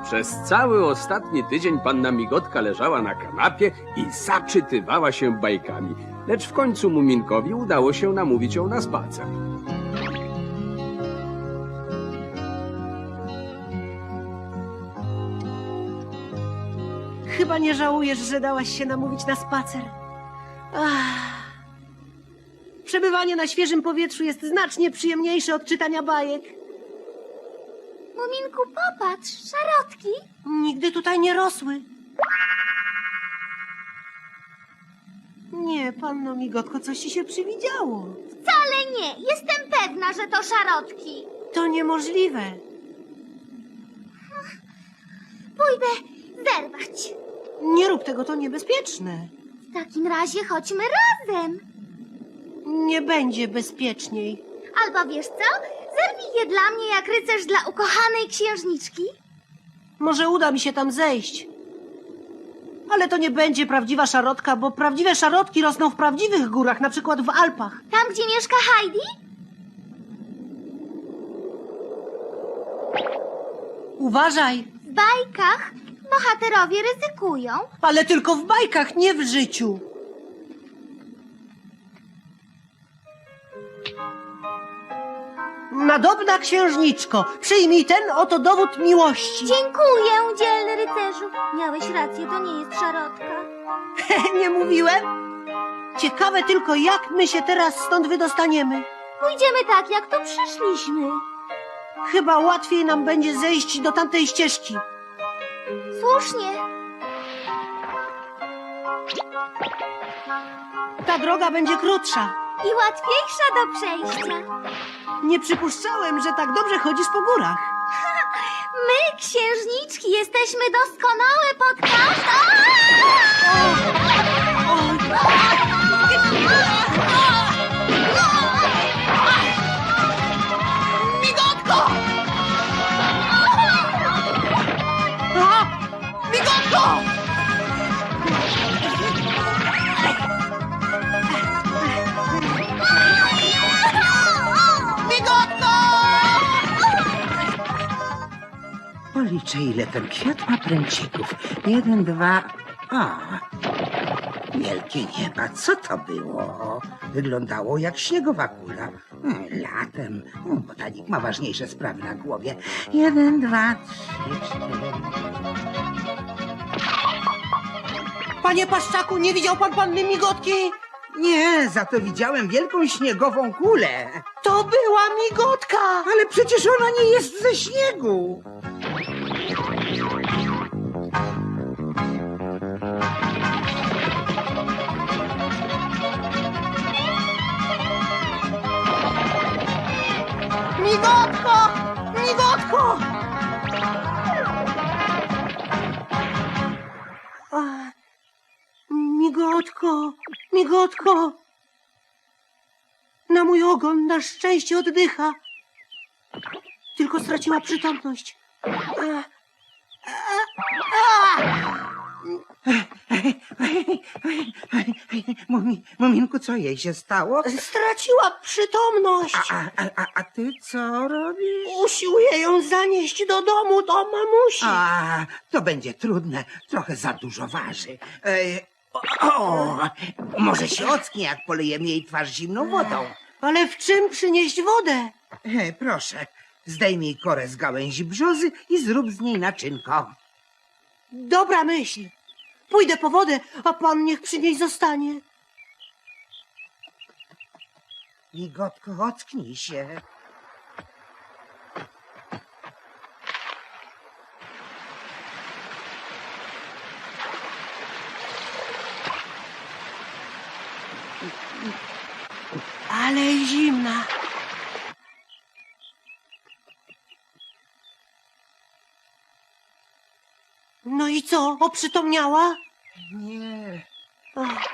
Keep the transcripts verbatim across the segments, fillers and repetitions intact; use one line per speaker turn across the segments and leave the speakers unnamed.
Przez cały ostatni tydzień panna Migotka leżała na kanapie i zaczytywała się bajkami. Lecz w końcu Muminkowi udało się namówić ją na spacer.
Chyba nie żałujesz, że dałaś się namówić na spacer. Ach. Przebywanie na świeżym powietrzu jest znacznie przyjemniejsze od czytania bajek.
Muminku, popatrz, szarotki.
Nigdy tutaj nie rosły. Nie, panno Migotko, coś ci się przywidziało.
Wcale nie, jestem pewna, że to szarotki.
To niemożliwe.
Pójdę zerwać.
Nie rób tego, to niebezpieczne.
W takim razie chodźmy razem.
Nie będzie bezpieczniej.
Albo wiesz co? Zerwij je dla mnie jak rycerz dla ukochanej księżniczki.
Może uda mi się tam zejść. Ale to nie będzie prawdziwa szarotka, bo prawdziwe szarotki rosną w prawdziwych górach, na przykład w Alpach.
Tam, gdzie mieszka Heidi?
Uważaj,
W bajkach bohaterowie ryzykują.
ale tylko w bajkach, nie w życiu. Nadobna księżniczko, przyjmij ten oto dowód miłości.
Dziękuję, dzielny rycerzu. Miałeś rację, to nie jest szarotka.
Nie mówiłem? Ciekawe tylko, jak my się teraz stąd wydostaniemy.
Pójdziemy tak, jak tu przyszliśmy.
Chyba łatwiej nam będzie zejść do tamtej ścieżki.
Słusznie.
Ta droga będzie krótsza.
I łatwiejsza do przejścia.
Nie przypuszczałem, że tak dobrze chodzisz po górach.
My, księżniczki, jesteśmy doskonałe pod każdą...
Migotko! A! Migotko!
Policzę, ile ten kwiat ma pręcików. Jeden, dwa... A, wielkie nieba, co to było? Wyglądało jak śniegowa kula. Hmm, Latem. Hmm, Botanik ma ważniejsze sprawy na głowie. Jeden, dwa, trzy, cztery...
Panie Paszczaku, nie widział pan panny Migotki?
Nie, za to widziałem wielką śniegową kulę.
To była Migotka!
Ale przecież ona nie jest ze śniegu.
Migotko! Migotko! A, migotko, Migotko! Na mój ogon na szczęście oddycha. Tylko straciła przytomność. A, a, a!
Mumi, Muminku, co jej się stało?
Straciła przytomność.
A, a, a, a ty co robisz?
Usiłuję ją zanieść do domu, do mamusi.
A, to będzie trudne. Trochę za dużo waży. E, o, o, może się ocknie, jak polejemy jej twarz zimną wodą.
Ale w czym przynieść wodę?
E, proszę, zdejmij korę z gałęzi brzozy i zrób z niej naczynko.
Dobra myśl. Pójdę po wodę, a pan niech przy niej zostanie.
Migotko, ocknij się.
Ale zimna. No i co, oprzytomniała?
Nie.
Ach.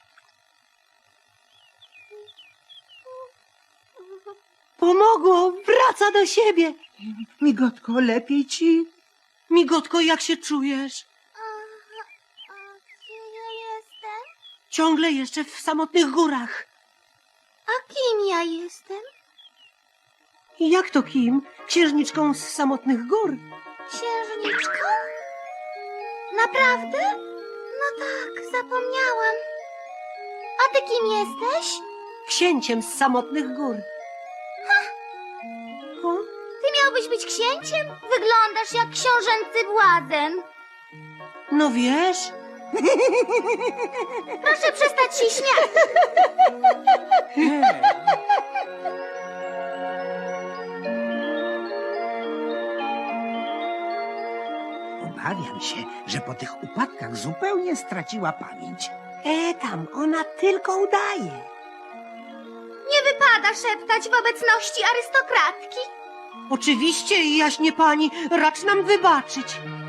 Pomogło, wraca do siebie.
Migotko, lepiej ci?
Migotko, jak się czujesz?
A, a gdzie ja jestem?
Ciągle jeszcze w samotnych górach.
A kim ja jestem?
Jak to kim? Księżniczką z samotnych gór.
Księżniczką? Naprawdę? No tak, zapomniałam. A ty kim jesteś?
Księciem z samotnych gór. O?
Ty miałbyś być księciem? Wyglądasz jak książęcy błazen.
No wiesz,
Proszę przestać się śmiać.
Obawiam się, że po tych upadkach zupełnie straciła pamięć.
e tam, ona tylko udaje.
Nie wypada szeptać w obecności arystokratki.
Oczywiście, jaśnie pani, racz nam wybaczyć.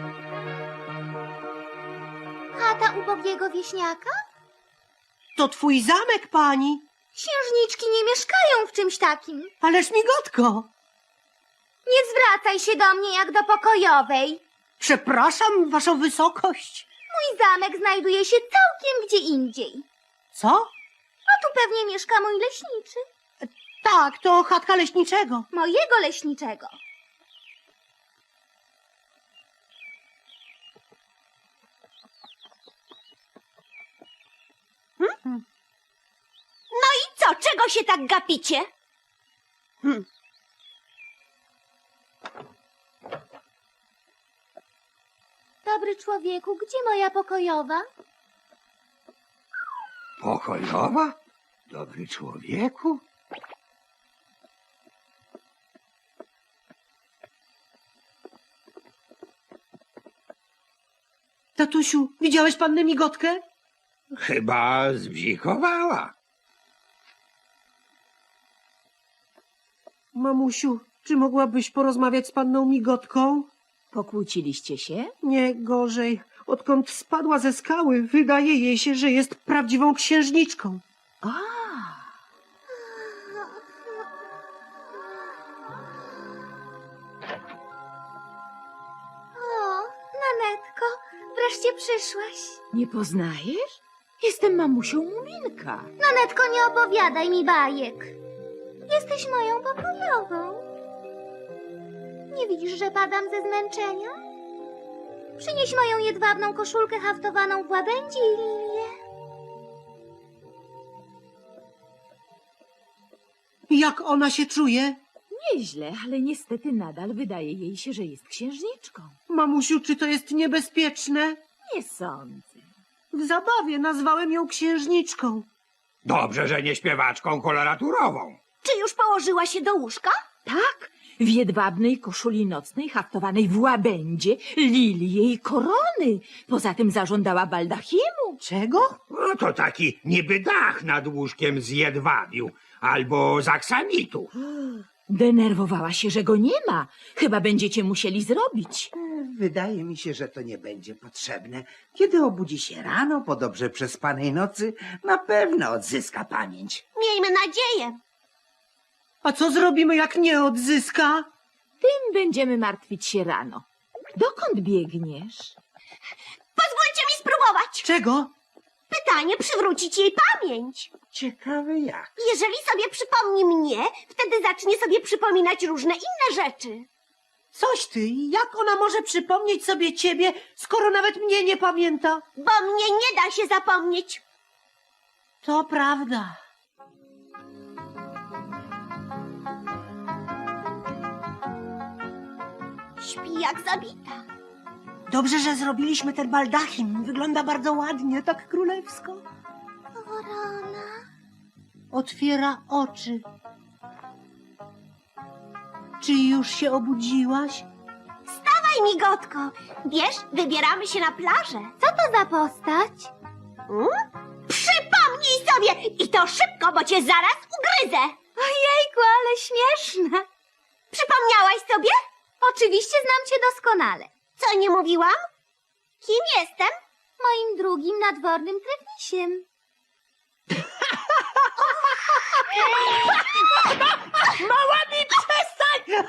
Chata ubogiego wieśniaka?
To twój zamek, pani.
Księżniczki nie mieszkają w czymś takim.
Ależ migotko.
Nie zwracaj się do mnie jak do pokojowej.
Przepraszam, waszą wysokość.
Mój zamek znajduje się całkiem gdzie indziej.
Co?
A tu pewnie mieszka mój leśniczy.
Tak, to chatka leśniczego.
Mojego leśniczego. No i co? Czego się tak gapicie?
Hmm.
Dobry człowieku, gdzie moja pokojowa?
Pokojowa? Dobry człowieku?
Tatusiu, widziałeś pannę migotkę?
Chyba zbzikowała.
Mamusiu, czy mogłabyś porozmawiać z panną migotką?
Pokłóciliście się?
Nie gorzej. Odkąd spadła ze skały, wydaje jej się, że jest prawdziwą księżniczką.
A,
O, Nanetko, wreszcie przyszłaś.
nie poznajesz? Jestem mamusią Muminka.
Nanetko, nie opowiadaj mi bajek. Jesteś moją pokojową. Nie widzisz, że padam ze zmęczenia? Przynieś moją jedwabną koszulkę haftowaną w łabędzie i lilię.
Jak ona się czuje?
Nieźle, ale niestety nadal wydaje jej się, że jest księżniczką.
Mamusiu, czy to jest niebezpieczne?
Nie sądzę.
W zabawie nazwałem ją księżniczką.
Dobrze, że nie śpiewaczką koloraturową.
Czy już położyła się do łóżka?
Tak, w jedwabnej koszuli nocnej haftowanej w łabędzie, lilii i korony. Poza tym zażądała baldachimu.
Czego?
No to taki niby dach nad łóżkiem z jedwabiu albo z aksamitu.
Denerwowała się, że go nie ma. Chyba będziecie musieli zrobić.
Wydaje mi się, że to nie będzie potrzebne. Kiedy obudzi się rano po dobrze przespanej nocy, na pewno odzyska pamięć.
Miejmy nadzieję.
A co zrobimy, jak nie odzyska?
Tym będziemy martwić się rano. Dokąd biegniesz?
Pozwólcie mi spróbować.
Czego?
Pytanie przywrócić jej pamięć.
Ciekawe jak.
Jeżeli sobie przypomni mnie, wtedy zacznie sobie przypominać różne inne rzeczy.
Coś ty, jak ona może przypomnieć sobie ciebie, skoro nawet mnie nie pamięta?
Bo mnie nie da się zapomnieć.
To prawda.
Śpi jak zabita.
Dobrze, że zrobiliśmy ten baldachim. Wygląda bardzo ładnie, tak królewsko.
Korona.
Otwiera oczy. Czy już się obudziłaś?
Wstawaj, migotko. Wiesz, wybieramy się na plażę. Co to za postać? Hmm? Przypomnij sobie i to szybko, bo cię zaraz ugryzę. Ojejku, ale śmieszne. Przypomniałaś sobie? Oczywiście znam cię doskonale. Co nie mówiłam? Kim jestem? Moim drugim nadwornym trefnisiem.
Mała mi przestań!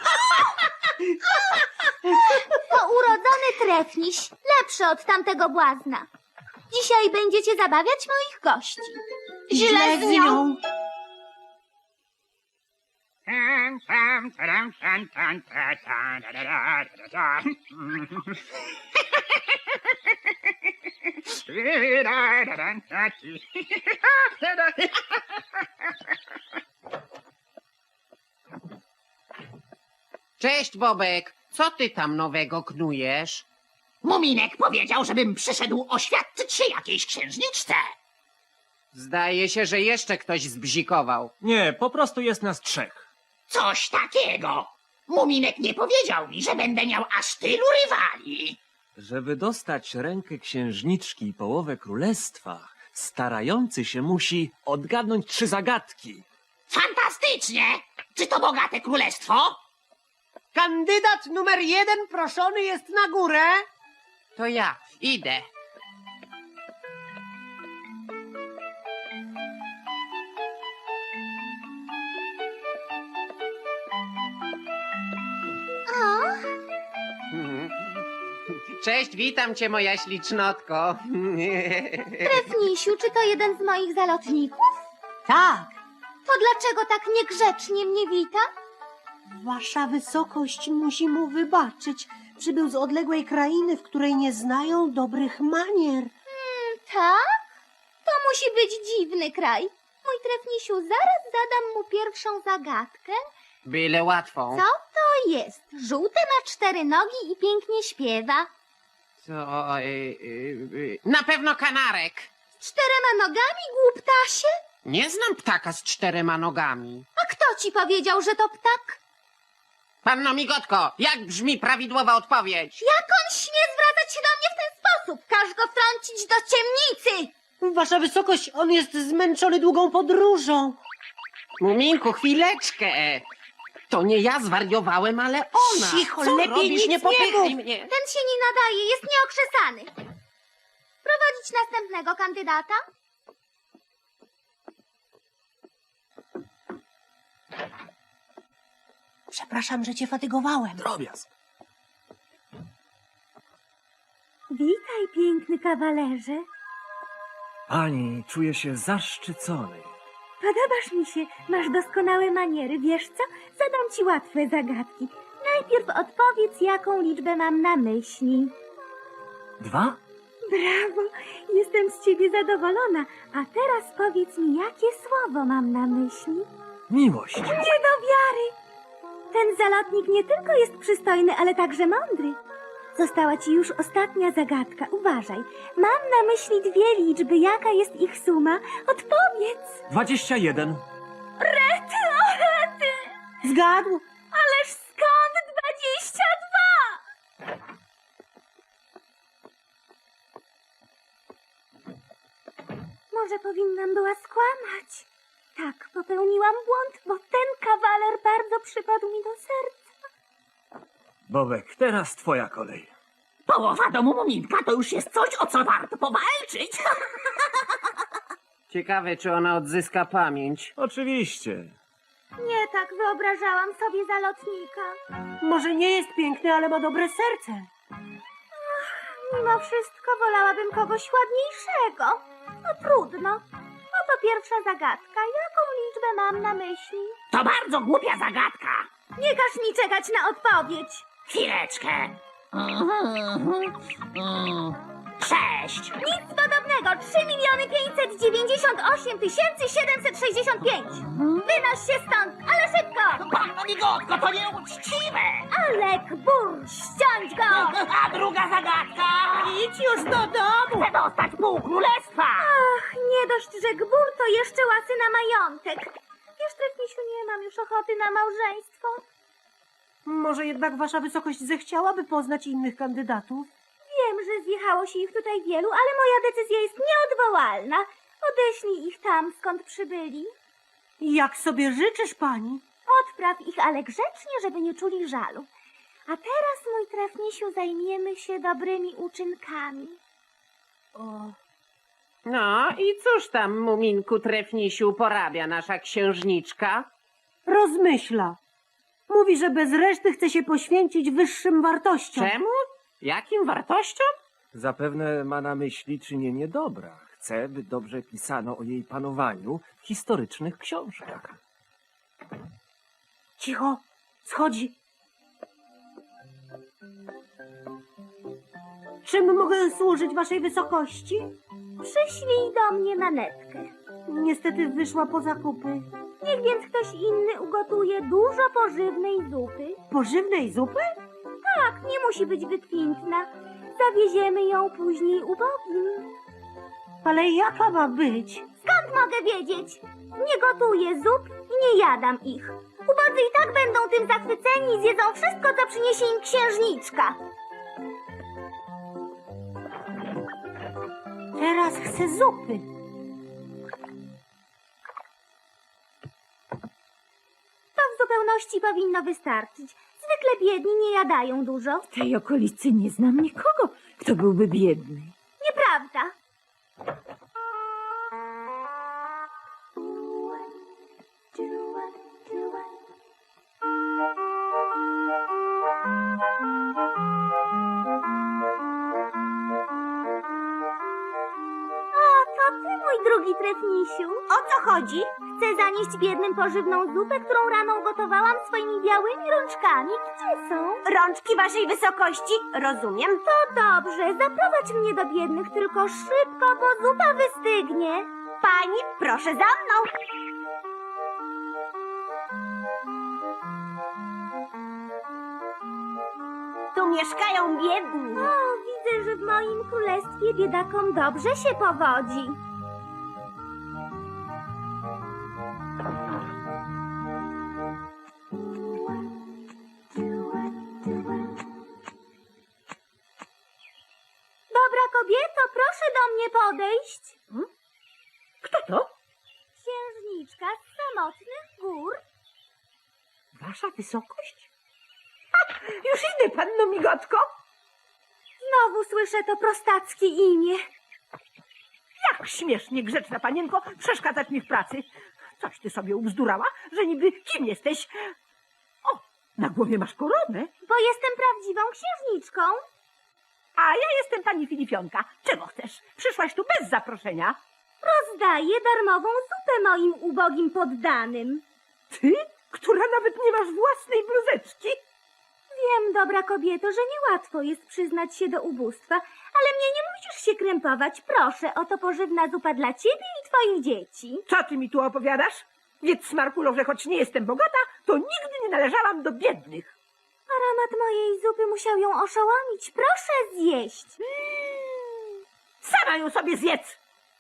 To urodzony trefniś, lepszy od tamtego błazna. Dzisiaj będziecie zabawiać moich gości.
Źle z nią.
Cześć, Bobek. Co ty tam nowego knujesz?
Muminek powiedział, żebym przyszedł oświadczyć się jakiejś księżniczce.
Zdaje się, że jeszcze ktoś zbzikował.
Nie, po prostu jest nas trzech.
Coś takiego. Muminek nie powiedział mi, że będę miał aż tylu rywali.
Żeby dostać rękę księżniczki i połowę królestwa, starający się musi odgadnąć trzy zagadki.
Fantastycznie! Czy to bogate królestwo?
Kandydat numer jeden proszony jest na górę.
To ja, idę. Cześć, witam cię, moja ślicznotko.
Trefnisiu, czy to jeden z moich zalotników?
Tak,
To dlaczego tak niegrzecznie mnie wita?
wasza wysokość musi mu wybaczyć. Przybył z odległej krainy, w której nie znają dobrych manier.
Tak? To musi być dziwny kraj. Mój trefnisiu, zaraz zadam mu pierwszą zagadkę.
Byle łatwą.
Co to jest? Żółte ma cztery nogi i pięknie śpiewa.
Co? Y, y, y, na pewno kanarek.
Z czterema nogami, głuptasie?
Nie znam ptaka z czterema nogami.
A kto ci powiedział, że to ptak?
Panno Migotko, jak brzmi prawidłowa odpowiedź?
Jak on śmie zwracać się do mnie w ten sposób? Każ go wtrącić do ciemnicy!
Wasza wysokość, on jest zmęczony długą podróżą.
Muminku, chwileczkę. To nie ja zwariowałem, ale ona.
Cicho,
Co
lepiej
robisz?
nic
Nie
nie
popychaj
mów.
mnie.
Ten się nie nadaje, jest nieokrzesany. Prowadzić następnego kandydata?
Przepraszam, że cię fatygowałem.
Drobiazg.
Witaj, piękny kawalerze.
Pani, czuję się zaszczycony.
Podobasz mi się, masz doskonałe maniery. Wiesz co? Zadam ci łatwe zagadki. Najpierw odpowiedz, jaką liczbę mam na myśli.
Dwa?
Brawo, jestem z ciebie zadowolona. A teraz powiedz mi, jakie słowo mam na myśli?
Miłość.
Nie do wiary! Ten zalotnik nie tylko jest przystojny, ale także mądry. Została ci już ostatnia zagadka. Uważaj. Mam na myśli dwie liczby. Jaka jest ich suma? Odpowiedz!
Dwadzieścia jeden.
Rety, o rety!
Zgadł.
Ależ skąd dwadzieścia dwa? Może powinnam była skłamać. Tak, popełniłam błąd, bo ten kawaler bardzo przypadł mi do serca.
Bobek, teraz twoja kolej.
Połowa domu Muminka to już jest coś, o co warto powalczyć.
Ciekawe, czy ona odzyska pamięć.
Oczywiście.
Nie tak wyobrażałam sobie zalotnika.
Może nie jest piękny, ale ma dobre serce.
Mimo wszystko wolałabym kogoś ładniejszego. No trudno. Oto pierwsza zagadka. Jaką liczbę mam na myśli?
To bardzo głupia zagadka.
Nie każ mi czekać na odpowiedź.
Chwileczkę. Sześć.
Nic podobnego. trzy miliony pięćset dziewięćdziesiąt osiem tysięcy siedemset sześćdziesiąt pięć. Wynoś się stąd, ale szybko.
Panno Migotko, to nieuczciwe.
Alek, burz, ściąć go.
A druga zagadka.
Idź już do domu.
Chcę dostać pół królestwa.
Ach, nie dość, że gbur to jeszcze łasy na majątek. Wiesz, Trefnisiu, nie mam już ochoty na małżeństwo.
Może jednak wasza wysokość zechciałaby poznać innych kandydatów?
Wiem, że zjechało się ich tutaj wielu, ale moja decyzja jest nieodwołalna. Odeślij ich tam, skąd przybyli.
Jak sobie życzysz, pani?
Odpraw ich, ale grzecznie, żeby nie czuli żalu. A teraz, mój Trefnisiu, zajmiemy się dobrymi uczynkami.
O,
No i cóż tam, Muminku Trefnisiu, porabia nasza księżniczka?
rozmyśla. Mówi, że bez reszty chce się poświęcić wyższym wartościom.
Czemu? Jakim wartościom?
Zapewne ma na myśli czynienie dobra. Chce, by dobrze pisano o jej panowaniu w historycznych książkach.
Cicho, schodzi. Czym mogę służyć waszej wysokości?
Przyślij do mnie manetkę.
Niestety wyszła po zakupy.
Niech więc ktoś inny ugotuje dużo pożywnej zupy.
Pożywnej zupy?
Tak, nie musi być wykwintna. Zawieziemy ją później ubogim.
Ale jaka ma być?
Skąd mogę wiedzieć? Nie gotuję zup i nie jadam ich. Ubodzy i tak będą tym zachwyceni i zjedzą wszystko, co przyniesie im księżniczka.
Teraz chcę zupy.
To w zupełności powinno wystarczyć. Zwykle biedni nie jadają dużo.
W tej okolicy nie znam nikogo, kto byłby biedny.
Nieprawda. O, to ty, mój drugi trefnisiu. O co chodzi? Chcę zanieść biednym pożywną zupę, którą rano ugotowałam swoimi białymi rączkami. Gdzie są?
Rączki waszej wysokości? Rozumiem.
To dobrze, zaprowadź mnie do biednych, tylko szybko, bo zupa wystygnie.
Pani, proszę za mną. Tu mieszkają biedni.
O, widzę, że w moim królestwie biedakom dobrze się powodzi. Dobra kobieto, proszę do mnie podejść.
Kto to?
Księżniczka z samotnych gór.
Wasza wysokość? Ha, już idę, panno Migotko.
Znowu słyszę to prostackie imię.
Jak śmiesznie, grzeczna panienko, przeszkadzać mi w pracy. Coś ty sobie ubzdurała, że niby kim jesteś? O, na głowie masz koronę,
Bo jestem prawdziwą księżniczką.
a ja jestem pani Filipionka. Czego chcesz? Przyszłaś tu bez zaproszenia.
Rozdaję darmową zupę moim ubogim poddanym.
Ty, która nawet nie masz własnej bluzeczki?
Wiem, dobra kobieto, że niełatwo jest przyznać się do ubóstwa, ale mnie nie musisz się krępować. Proszę, oto pożywna zupa dla ciebie i twoich dzieci.
Co ty mi tu opowiadasz? Wiedz, Smarkulo, że choć nie jestem bogata, to nigdy nie należałam do biednych.
Aromat mojej zupy musiał ją oszołomić. Proszę zjeść.
Sama ją sobie zjedz.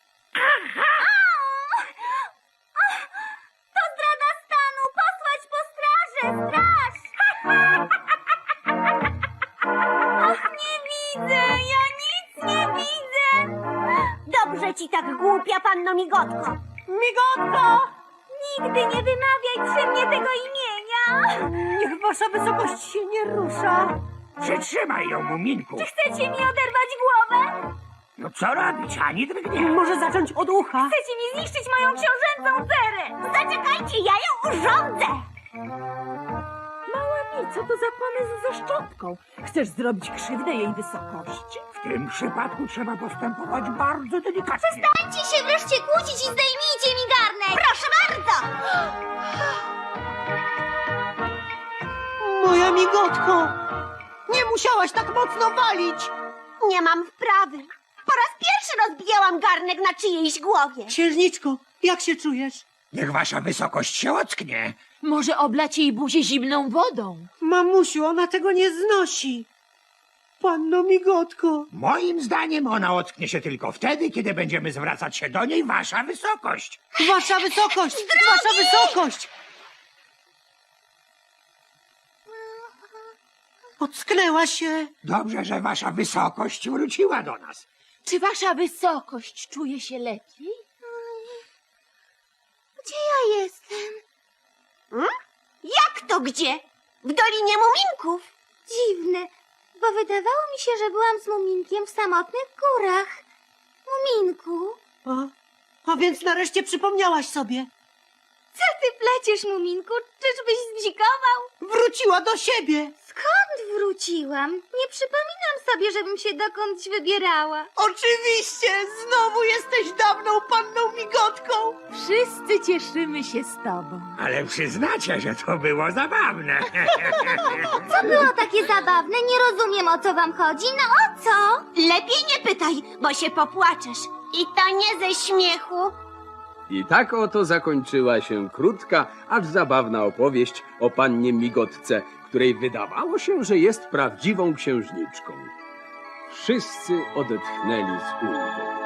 To zdrada stanu! Posłać po strażę! Straż! Ach, nie widzę! Ja nic nie widzę!
Dobrze ci tak, głupia panno Migotko.
Migotko! Nigdy nie wymawiaj przy mnie tego imienia!
Niech wasza wysokość się nie rusza.
Przytrzymaj ją, Muminku.
Czy chcecie mi oderwać głowę?
No co robić? Ani drgnie.
Może zacząć od ucha.
Chcecie mi zniszczyć moją książęcą cerę! Zaczekajcie, ja ją urządzę!
Mała mi, co to za pomysł ze szczotką? Chcesz zrobić krzywdę jej wysokości?
W tym przypadku trzeba postępować bardzo delikatnie.
Przestańcie się wreszcie kłócić i zdejmijcie mi garnek! Proszę bardzo!
Moja Migotko, nie musiałaś tak mocno walić.
Nie mam wprawy. Po raz pierwszy rozbijałam garnek na czyjejś głowie.
Księżniczko, jak się czujesz?
Niech wasza wysokość się ocknie.
Może oblać jej buzię zimną wodą?
Mamusiu, ona tego nie znosi. Panno Migotko.
Moim zdaniem ona ocknie się tylko wtedy, kiedy będziemy zwracać się do niej wasza wysokość.
Wasza wysokość! Wasza wysokość! Ocknęła się.
Dobrze, że wasza wysokość wróciła do nas.
Czy wasza wysokość czuje się lepiej?
Gdzie ja jestem? Hmm? Jak to gdzie? W Dolinie Muminków. Dziwne, bo wydawało mi się, że byłam z Muminkiem w samotnych górach. Muminku,
A, a więc nareszcie przypomniałaś sobie.
co ty pleciesz, Muminku? Czyżbyś zdzikował?
Wróciła do siebie.
Skąd wróciłam? Nie przypominam sobie, żebym się dokądś wybierała.
Oczywiście! Znowu jesteś dawną panną Migotką!
Wszyscy cieszymy się z tobą.
Ale przyznacie, że to było zabawne.
Co było takie zabawne? Nie rozumiem, o co wam chodzi. No o co? Lepiej nie pytaj, bo się popłaczesz. I to nie ze śmiechu.
I tak oto zakończyła się krótka, acz zabawna opowieść o pannie Migotce, której wydawało się, że jest prawdziwą księżniczką. Wszyscy odetchnęli z ulgą.